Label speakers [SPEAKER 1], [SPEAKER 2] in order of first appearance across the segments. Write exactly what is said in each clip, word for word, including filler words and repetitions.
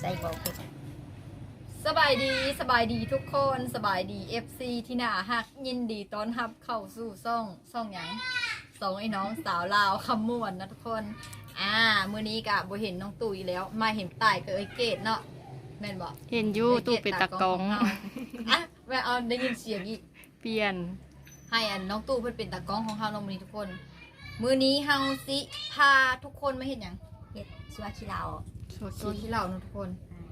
[SPEAKER 1] ส่บอกเผ็ด
[SPEAKER 2] สบายดีสบายดีทุกคนสบายดี เอฟ ซี ที่น่าฮักยินดีต้อนรับเข้าสู่ซ่องซ่องหยังสองไอ้น้องสาวลาวคำม่วนนะทุกคนอ่ามื้อนี้กะบ่เห็นน้องตุ๋ยแล้วมาเห็นตายกับเอ้ยเกดเนาะแม่นบ่
[SPEAKER 3] เห็นอยู่ตู้เป็นตะกอง
[SPEAKER 2] อ่ะแม่เอาได้ยินเสียงอีก
[SPEAKER 3] เปลี่ยน
[SPEAKER 2] ให้อันน้องตู่เพิ่นเป็นตากล้องของเฮาเนาะมื้อนี้ทุกคนมื้อนี้เฮาสิพาทุกคนมาเฮ็ดหยัง
[SPEAKER 1] เผ็ดชัวขี้เหล้า
[SPEAKER 2] โซขี้เหล้าเนาะทุกคน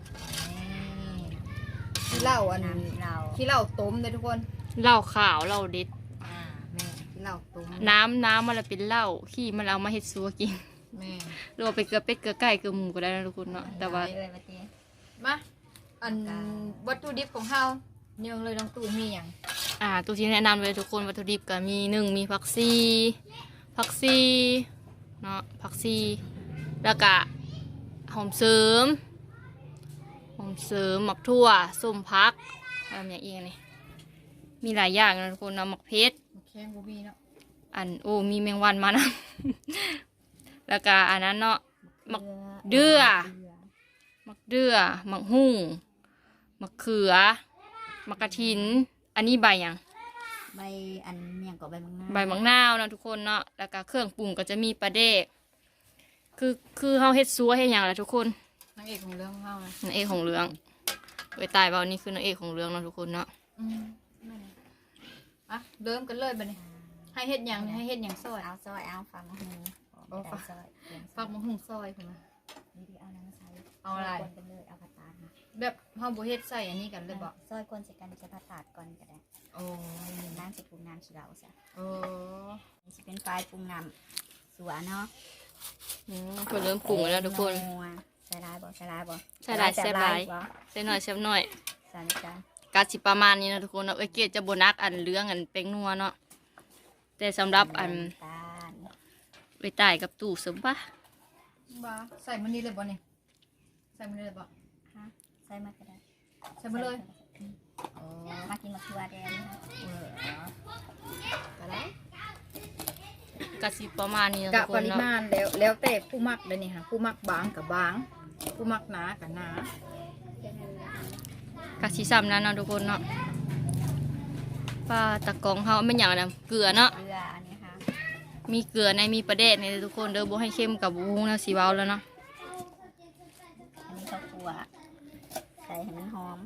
[SPEAKER 2] ขี้เหล้าอัน
[SPEAKER 1] เหล้า
[SPEAKER 2] ขี้เหล้าต้มเด้อทุกคน
[SPEAKER 3] เหล้าขาวเหล้าเด็ด
[SPEAKER 2] อ่าแม่ขี้เหล้าต้ม
[SPEAKER 3] น้ำน้ำมันละเป็นเหล้าขี้มันเอามาเฮ็ดซัวกิน
[SPEAKER 2] แม่
[SPEAKER 3] หรือว่าไปเกลือเป็ดเกลือไก่เกลือหมูก็ได้นะทุกคนเนาะแต่ว่า
[SPEAKER 2] มาอันวัตถุดิบของเฮาเนื่องเลยน้องตู่มีหยัง
[SPEAKER 3] อ่าตัวที่แนะนำเลยทุกคนวัตถุดิบก็มีหนึ่งมีผักชีผักชีเนาะผักชีแล้วก็หอมเสริมหอมเสริมหมักทั่วส้มพักอะไรอย่างเงี้ยนี่มีหลายอย่างนะทุกคนเนาะหมักเพชร
[SPEAKER 2] แข้งบ่มีเนาะ
[SPEAKER 3] อันโอ้มีแมงวันมานะ แล้วก็อันนั้นเนาะหมักเดือหมักเดือหมักหุ่งหมักเขือหมักกระถินอันนี้ใบยัง
[SPEAKER 1] ใบอันเมี่ยงกับใบมังนาว
[SPEAKER 3] ใบมังนาวนะทุกคนเนาะแล้วก็เครื่องปรุงก็จะมีปลาเดกคือคือเฮาเฮ็ดซัวเฮ็ดหยังล่ะทุกคน
[SPEAKER 2] นางเอกของเรื่องของเฮานะ
[SPEAKER 3] นางเอกของเรื่องเอ้ยตายเบานี่คือนางเอกของเรื่องเนาะทุกคนเนาะ
[SPEAKER 2] อืมอ่ะเริ่มกันเลยบัดนี้ให้เฮ็ดหยังให้เฮ็ดหยังซอย
[SPEAKER 1] เอาซอยเอาฟังมะฮู
[SPEAKER 2] โอ้ฟังซอยฟังมะฮูซอยพุ่นน่ะ
[SPEAKER 1] นี่ดิเอาน้ำใส่
[SPEAKER 2] เอาอะไร
[SPEAKER 1] กันเลยเอาผัดตาลนะ
[SPEAKER 2] แบบเฮาบ่เฮ็ดใส่อันนี้กันเลยบ่
[SPEAKER 1] ซอยคนใส่กันจะผัดตาลก่อนก็ได้
[SPEAKER 2] โอ้
[SPEAKER 1] น้ำสิปรุงน้ำขี้เหล้าซะ
[SPEAKER 2] โอ้
[SPEAKER 1] นี่สิเป็นไฟปรุงน้ำสัวเนาะ
[SPEAKER 3] อืมคนเริ่มปรุงแล้วทุกคน
[SPEAKER 1] ใส่ลายบ่ใส่ลายบ่
[SPEAKER 3] ใส่ลายแซ่บลายใส่หน่อยแซ่บหน่อย
[SPEAKER 1] ใส่จาน
[SPEAKER 3] กาสิประมาณนี้นะทุกคนเนาะเอ้ยเกดจะโบนักอันเรื่องอันเป็งนัวเนาะแต่สำหรับอันไปตายกับตู่สมปะ
[SPEAKER 2] บ้าใส่มันนี่เลยบ่นี่ใส่มันเลยบ่
[SPEAKER 1] ฮะใส่มาก็ได้
[SPEAKER 2] ใส่มาเลย
[SPEAKER 1] อ๋อมากินมะเขือแดงเออก็ได้
[SPEAKER 3] กะสิประมาณนี้นะ
[SPEAKER 2] ทุกคนเนาะกะปริมาณแล้วแล้วแต่ผู้มักเลยนี่ค่ะผู้มักบางกับบางผู้มักหนากับหนาก
[SPEAKER 3] ะสิซ้ำนั้นเนาะทุกคนเนาะปลาตะกองเฮาไม่อย่างนั้นเกลือเนาะ
[SPEAKER 1] เกลืออันนี้ค่ะ
[SPEAKER 3] มีเกลือในมีปลาเด็ดในทุกคนเด้อบ่ให้เข้มกับบุ้งนะสีเว้าแล้วเนาะ
[SPEAKER 1] อันนี้ข้าวคั่วใส่ให้มันหอม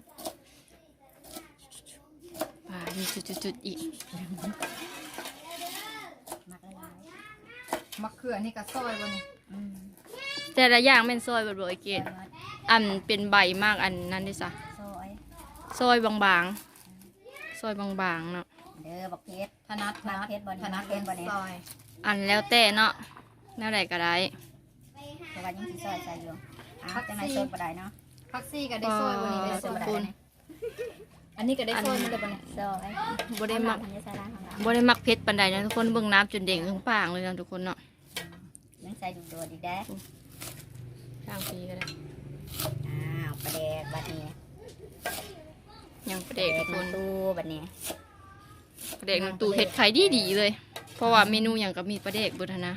[SPEAKER 3] อ่ามีจุดๆๆอีก
[SPEAKER 1] มักละลาย
[SPEAKER 2] มะเขือนี่ก็ซอยบ่นี่
[SPEAKER 3] แต่ละอย่างเป็นซอยบ่ๆเกดอันเป็นใบมากอันนั้นดิซะ
[SPEAKER 1] ซอย
[SPEAKER 3] ซอยบางๆซอยบางๆเนาะ
[SPEAKER 1] เด้อบักเพชร
[SPEAKER 2] ถนัดถนัดถนัดเป็นซอย
[SPEAKER 3] อันแล้วแต่เนาะแนวใดก็ได้
[SPEAKER 1] แต่ว่ายังสิซอยใส่อยู่อ้าวจังได๋ซอยบ่ได้เนาะ
[SPEAKER 2] ผักซี่ก็ได้ซอยบ่นี่ได้ซอยบ่ได้อันนี้ก็ได้ซอยมันได้บ่นี่
[SPEAKER 1] ซอย
[SPEAKER 3] บ่ได้มักบ่ได้มักเผ็ดปานใดนะทุกคนเบิ่งน้ำจนเด้งถึงปากเลยนะทุกคนเนาะ
[SPEAKER 1] ยังใส่ดูโดดอีกเด้
[SPEAKER 3] ทางปีก็ได้
[SPEAKER 1] อ้าวปลาแดกบัดนี้
[SPEAKER 3] ยังปลาแดกทุกคน
[SPEAKER 1] ตู้บัดนี้
[SPEAKER 3] ปลาแดกน้ำตู้เฮ็ดขายดีๆเลยเพราะว่าเมนูหยังก็มีปลาแดกเบิดนะ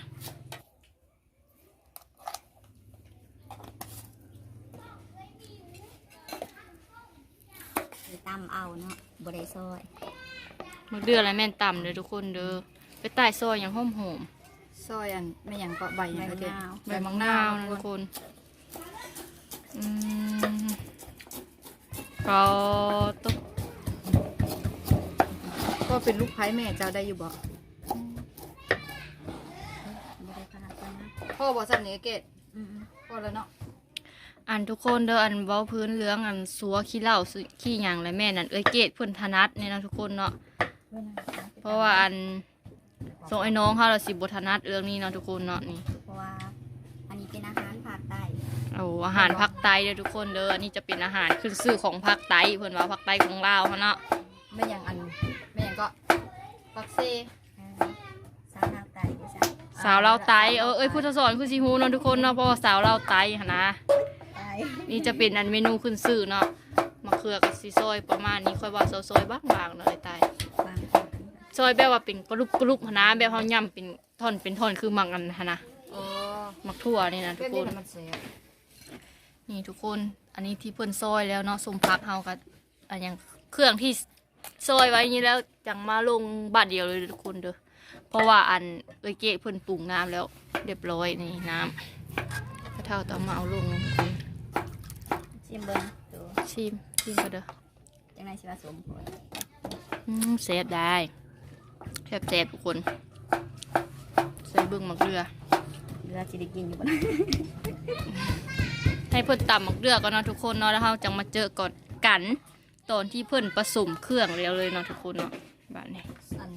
[SPEAKER 1] ตำเอาเนาะบ่ได้ซอย
[SPEAKER 3] มักเดืออะไรแม่นต่ำเลยทุกคนเด้อไปใต้ซอยอย่างหอมหอม
[SPEAKER 2] ซอยอันไม่อย่างก็ใบอย่างก็เด็ด
[SPEAKER 3] ใบมังนาวนะทุกคนอืมก็ตุ๊ก
[SPEAKER 2] ก็เป็นลูกไผ่แม่เจ้าได้อยู่บ่พ่อบอกสันเนเกตพ่อแล้วเนาะ
[SPEAKER 3] อันทุกคนเด้ออันเว้าพื้นเรื่องอันซัวขี้เหล้าขี้หยังและแม่นั่นเอ้ยเกตเพิ่นถนัดนี่นะทุกคนเนาะเพราะว่าอันส่งไอ้น้องเขาเราสิบถนัดเรื่องนี้เนาะทุกคนเนาะนี่
[SPEAKER 1] เพราะว่าอันนี้เป็นอาหารภาคใต้
[SPEAKER 3] โอ้อาหารภาคใต้เด้อทุกคนเด้ออันนี้จะเป็นอาหารขึ้นชื่อของภาคใต้เพิ่นว่าภาคใต้ของลาวเขาเนาะ
[SPEAKER 2] ไม่อย่างอันไม่อย่างก็ปักเซ่
[SPEAKER 1] สาวลาวใต้ด้วยจ้ะ
[SPEAKER 3] สาวลาวใต้เออเอ้ยพุทธสอนคือสิฮู้เนาะทุกคนเนาะเพราะว่าสาวลาวใต้หั่นนะนี่จะเป็นอันเมนูขึ้นชื่อเนาะมะเขือกับซีซอยประมาณนี้ค่อยว่าซอยๆบางๆเนาะไอ้ตายซอยแบบว่าเป็นกรุบกรุบหั่นนะแบบเฮาย่ำเป็นท่อนเป็นท่อนคือมักอันหั่นนะมักทั่วนี่นะทุกคนนี่นี่ทุกคนอันนี้ที่เพิ่นซอยแล้วเนาะสมพักเฮากับอันยังเครื่องที่ซอยไว้นี้แล้วจังมาลงบาทเดียวเลยทุกคนเด้อเพราะว่าอันเอ้ยเก๋เพิ่นปรุงน้ำแล้วเรียบร้อยนี่น้ำกระเท่าต้องมาเอาลงทุกคน
[SPEAKER 1] ชิมเบิ้งดู
[SPEAKER 3] ชิมชิมก็เด้อ
[SPEAKER 1] จังไรสิว่าสมผล
[SPEAKER 3] อืมเซฟได้แซ่บแซ่บทุกคนใส่เบิ่งหมักเรือ
[SPEAKER 1] เรือจิได้กินอยู่บ่นะ
[SPEAKER 3] ให้เพิ่นตำหมักเรือก่อนเนาะทุกคนเนาะแล้วเฮาจังมาเจอก่อนกันตอนที่เพิ่นผสมเครื่องแล้วเลยเนาะทุกคนเนาะแบบนี้
[SPEAKER 2] อัน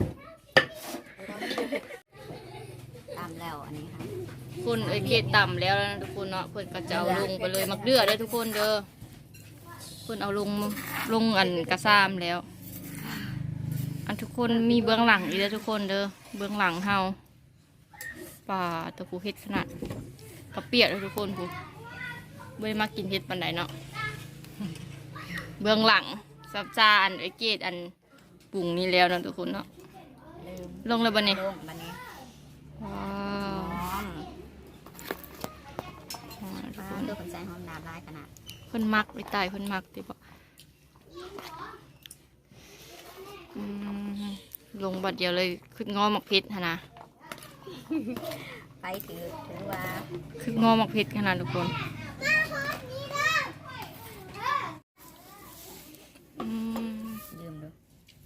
[SPEAKER 1] ตามแล้วอันนี้ค่ะ
[SPEAKER 3] คุณเอ้ยเกตต่ำแล้วนะทุกคนเนาะเพิ่นก็จะเอาลงไปเลยมักเดือได้อทุกคนเด้อเพิ่นเอาลงลงอันกระซามแล้ว อันทุกคนมีเบื้องหลังอีกแล้วทุกคนเด้อเบื้องหลังเฮาป่าตะปูเฮ็ดขนาดกระเปียกเลยทุกคนผู้เบ่มากินเฮ็ดปานใดเนาะเบื้องหลังซับซาอันเอ้ยเกตอันปรุงนี้แล้วนะทุกคนเนาะ
[SPEAKER 1] ลืม
[SPEAKER 3] ลงเลยบัดนี้
[SPEAKER 1] ลงบัดนี้
[SPEAKER 3] ว้า
[SPEAKER 1] ห
[SPEAKER 3] ว
[SPEAKER 1] อม
[SPEAKER 3] อ่าทุก
[SPEAKER 1] ฟ้า
[SPEAKER 3] คน
[SPEAKER 1] ตัวคนใส่หอมดาบร้ายขนาด
[SPEAKER 3] เพิ่นมักไปตายเพิ่นมักติบ่อืมลงบัดเดียวเลยขึ้นงอหมักเพชรหั่นนะ
[SPEAKER 1] ไปถือถือว่า
[SPEAKER 3] ขึ้นงอหมักเพชรขนาดทุกคนอืม
[SPEAKER 1] ลืมดู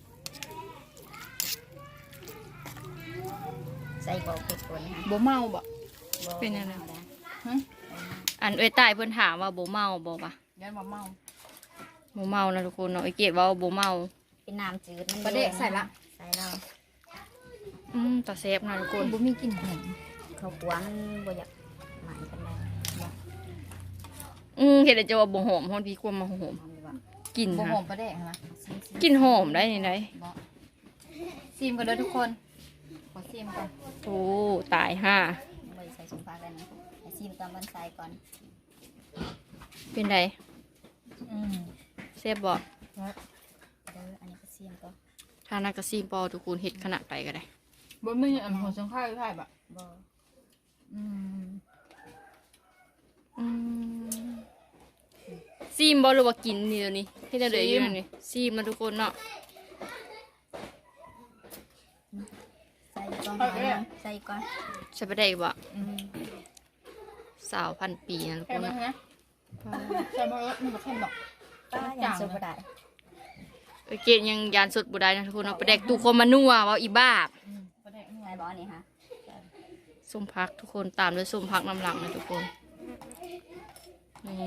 [SPEAKER 1] ใส่บอกเผ็ดคนค่ะ
[SPEAKER 3] บ่เมาบ่
[SPEAKER 1] บ่
[SPEAKER 3] เป็นยังไง
[SPEAKER 1] อาด้
[SPEAKER 3] ฮะอันเอ้ยตายเพิ่นถามว่าบ่เมาบ่ปะ
[SPEAKER 2] ยันมาเมา
[SPEAKER 3] บ่เมานะทุกคนเนาะไอ้เกดว่าบ่เมา
[SPEAKER 1] เป็นน้ำจืดมัน
[SPEAKER 2] ประเดะใส่ละ
[SPEAKER 1] ใส่แล้ว
[SPEAKER 3] อืมตาแซ่บนะทุกคน
[SPEAKER 2] บ่มีกลิ่นหอม
[SPEAKER 1] ข้าวคั่วมันบ่อยากหมายกันได้บ่
[SPEAKER 3] อืมเฮ็ดให้จะว่าบ่หอมฮอนพี่ความมาหอม
[SPEAKER 1] หอมดีกว่า
[SPEAKER 3] กลิ่น
[SPEAKER 2] บ่
[SPEAKER 3] ฮะ
[SPEAKER 2] หอมประเดะนะ
[SPEAKER 1] ซิมซิม
[SPEAKER 3] กลิ่นหอมได้นี่ได
[SPEAKER 2] บ่ซิมกันเด้อทุกคนขอซิมก่อน
[SPEAKER 3] โอ้ตายห่า
[SPEAKER 1] บ่ได้ใส่สุภาพแล้วนะให้ซิมตอนมันใส่ก่อน
[SPEAKER 3] เป็นได
[SPEAKER 2] อืม
[SPEAKER 3] แซ่บบ่
[SPEAKER 1] เด้ออันนี้ก็ซิมก่อน
[SPEAKER 3] ถ้านักกระซีมปอทุกคนเฮ็ดขนาดใดก็ได้
[SPEAKER 2] บ่มีอันหัวสังไข่ไข่บะ
[SPEAKER 1] บ่
[SPEAKER 2] อืม
[SPEAKER 3] อืมซีมบอหรือว่ากินนี่เดี๋ยวนี้ที่เราเดือดอยู่นี่ซีมมาทุกคนเนาะ
[SPEAKER 1] ใส่ก่อนหอยนะใส่ก่อน
[SPEAKER 3] ใช่ปะได้บ่
[SPEAKER 2] อืม
[SPEAKER 3] สาวพันปีนะทุก
[SPEAKER 2] ใช่
[SPEAKER 3] คน
[SPEAKER 2] ไหม
[SPEAKER 3] เนาะ
[SPEAKER 2] ฮะใช่ไหมเออมันบ่เข้มดอก
[SPEAKER 1] ป้ายังสุบ่ได้
[SPEAKER 3] เอ้ยเกดยังยานสดบุได้นะทุกคนเนาะประเด็กตูคนมานัวเว่าอีบ้า
[SPEAKER 2] อืมประเดะนัว
[SPEAKER 1] ใส่บ่อันนี้ค่ะ
[SPEAKER 3] ส้มพักทุกคนตามด้วยส้มพักน้ำหลังนะทุกคนนี่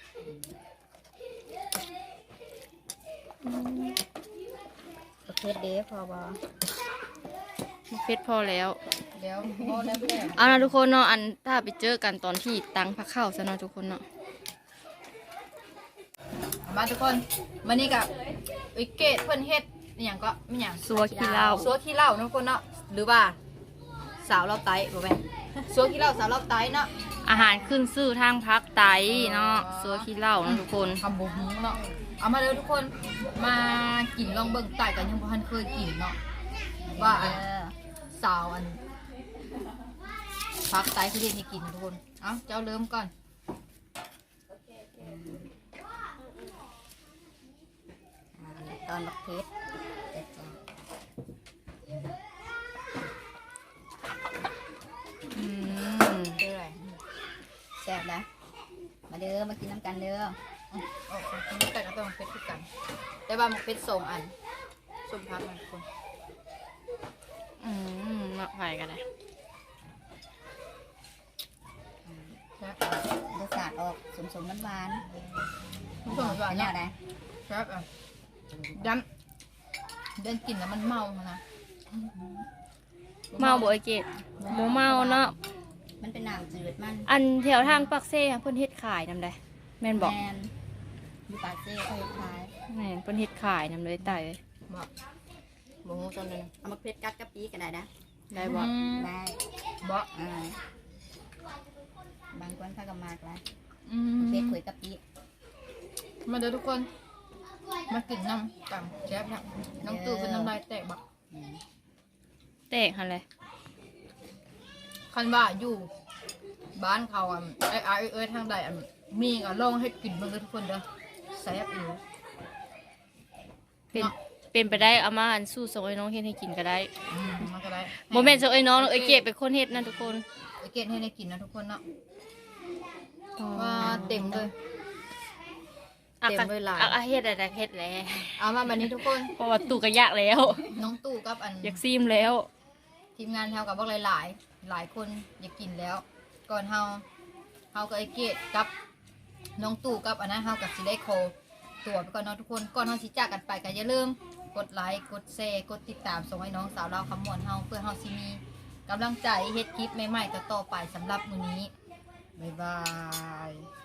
[SPEAKER 1] โอเคเด้พอบ่
[SPEAKER 3] มะเพ็ดพอแล้ว
[SPEAKER 2] เดี๋ยวพอแล้วประเดะ
[SPEAKER 3] เอานะทุกคนเนาะอันถ้าไปเจอกันตอนที่ตังพักเข้าซะเนาะทุกคนเนาะ
[SPEAKER 2] มาทุกคนวันนี้กับวิกเกตเพิ่นเฮ็ดอหย่างก็ไม่หยัง
[SPEAKER 3] สัวขี้เหล้า
[SPEAKER 2] สัวขี้เหล้านะทุกคนเนาะหรือว่าสาวเราไตบ่แม่นสัวขี้เหล้าสาวเราไตเนาะ
[SPEAKER 3] อาหารขึ้นซื่อทางพักไตเนาะสัวขี้เหล้านะทุกคน
[SPEAKER 2] ทำบุหูเนาะเอามาเลยทุกคนมากินลองเบิ่งไต่กันยังบ่ทันเคยกินเนาะว่าอัน
[SPEAKER 1] เออ
[SPEAKER 2] สาวอันพักไตที่เฮ็ดให้กินทุกคนเอ้าเจ้าเริ่มก่อน
[SPEAKER 1] อ่าตอนบักเพชรเด็ดจ้ะ
[SPEAKER 3] อืม
[SPEAKER 2] เด้ออะไร
[SPEAKER 1] แซ่บนะมาเด้อมากินน้ำกันเด้อ
[SPEAKER 2] โอ้ยมันแต่ก็ต้องเป็ดคือกัน แต่ว่ามันเป็ดสองอันส้มพักนะทุกคน
[SPEAKER 3] อืมมาไปกันเลย
[SPEAKER 2] ครับ
[SPEAKER 1] รสชาติออกสมๆหวาน
[SPEAKER 2] ทุกคน
[SPEAKER 1] ๆ
[SPEAKER 2] ว่า
[SPEAKER 1] เป็นแน
[SPEAKER 2] เนี่ยว
[SPEAKER 1] ใด
[SPEAKER 2] ครับอ่ะดำเดินกินแล้วมันเมานะ
[SPEAKER 3] เมาบ่ไอเกดโมเมาเนาะ
[SPEAKER 1] มันเป็นน้ำจืดมัน
[SPEAKER 3] อันแถวทางปักเซ่เพิ่นเฮ็ดขายนำได้แม่นบอก
[SPEAKER 1] แมนอยู่ปากเซ่เขาขาย
[SPEAKER 3] แม่นเพิ่นเฮ็ดขายนำเลยไตเลย
[SPEAKER 2] บอกบอกงูจนเลย
[SPEAKER 1] เอามาเพชรกัดกะปิก็ได้นะ
[SPEAKER 3] ได้บ่
[SPEAKER 1] ได้
[SPEAKER 2] บอก
[SPEAKER 1] อ่าบางคนเขาก็มากแล้ว
[SPEAKER 2] อืม
[SPEAKER 1] เพชรขุยกะปิ
[SPEAKER 2] มาเด้อทุกคน มากินน้ำต่ำแซ่บนะน้องตู่เป็นน้ำลายแตกบัก
[SPEAKER 1] อืม
[SPEAKER 3] แตกหั่นเลย
[SPEAKER 2] คันว่าอยู่บ้านเขาอ่ะไอ้ไอ้เอ้ยทางใดอ่ะมีก็ลองให้กินเบิ่งเด้อทุกคนเด้อแซ่บอยู่
[SPEAKER 3] เป็นเป็นไปได้เอามาอันสู้ส่งไอ้น้องเฮ็ดให้กินก็ได้
[SPEAKER 2] อืมมันก็ได้
[SPEAKER 3] โมเมนต์ส่งไอ้น้องไอ้เกดเป็นคนเฮ็ดนะทุกคน
[SPEAKER 2] ไอเกดให้ได้กินนะทุกคนเนาะว่าเต็มเลย
[SPEAKER 3] อัก
[SPEAKER 2] เต็มเลยหลาย
[SPEAKER 3] อักอะเฮ็ดอะไรเฮ็ดแล้ว
[SPEAKER 2] เอามาแบบนี้ทุกคน
[SPEAKER 3] เพราะว่าตู่ก็ยากแล้ว
[SPEAKER 2] น้องตู่กับอัน
[SPEAKER 3] อยากซีมแล้ว
[SPEAKER 2] ทีมงานเฮากับพวกหลายๆ หลายคนอยากกินแล้ว ก่อนเฮาเฮากับไอเกดกับน้องตู่กับอันนั้นเฮากับสิได้โคตัวไปก่อนเนาะทุกคนก่อนเฮาสิจากกันไปก็อย่าลืมกดไลค์กดแชร์กดติดตามส่งให้น้องสาวเราคำมวลเฮาเพื่อเฮาสิมีกำลังใจเฮ็ดคลิปใหม่ๆต่อๆไปสำหรับมื้อนี้บ๊ายบาย